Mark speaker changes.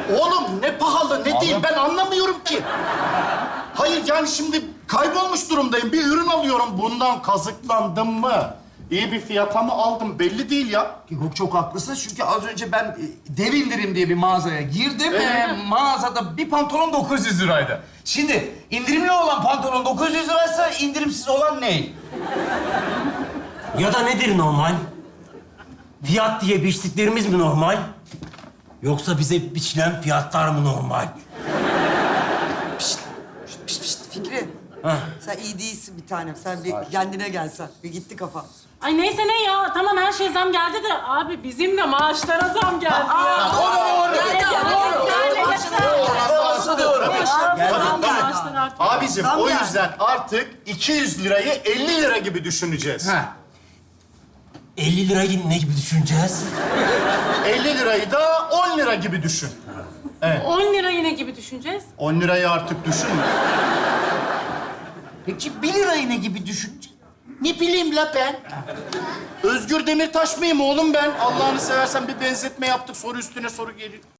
Speaker 1: Oğlum ne pahalı ne değil ben anlamıyorum ki. Hayır yani şimdi kaybolmuş durumdayım. Bir ürün alıyorum. Bundan kazıklandım mı? İyi bir fiyata mı aldım belli değil ya.
Speaker 2: Yok çok haklısın çünkü az önce ben dev indirim diye bir mağazaya girdim. Mağazada bir pantolon 900 liraydı. Şimdi indirimli olan pantolon 900 liraysa indirimsiz olan ne?
Speaker 3: Ya da nedir normal? Fiyat diye biçtiklerimiz mi normal? Yoksa bize biçilen fiyatlar mı normal?
Speaker 4: Pişt, Fikri. Sen iyi değilsin bir tanem. Sen bir kendine gelsen. Bir gitti kafa.
Speaker 5: Ay neyse ne ya. Tamam her şey zam geldi de abi bizim de maaşlara zam geldi ya.
Speaker 1: Abicim
Speaker 4: Zam
Speaker 1: o
Speaker 4: yani.
Speaker 1: yüzden artık 200 lirayı 50 lira gibi düşüneceğiz.
Speaker 2: Ha.
Speaker 3: 50 lirayı ne gibi düşüneceğiz?
Speaker 1: 50 lirayı da 10 lira gibi düşün.
Speaker 5: 10 lira yine gibi düşüneceğiz.
Speaker 1: 10 lirayı artık düşünme.
Speaker 2: Peki 1 lirayı ne gibi düşünce?
Speaker 1: Ne bileyim la ben. Özgür Demirtaş mıyım oğlum ben? Allah'ını seversen bir benzetme yaptık. Soru üstüne soru geliyor.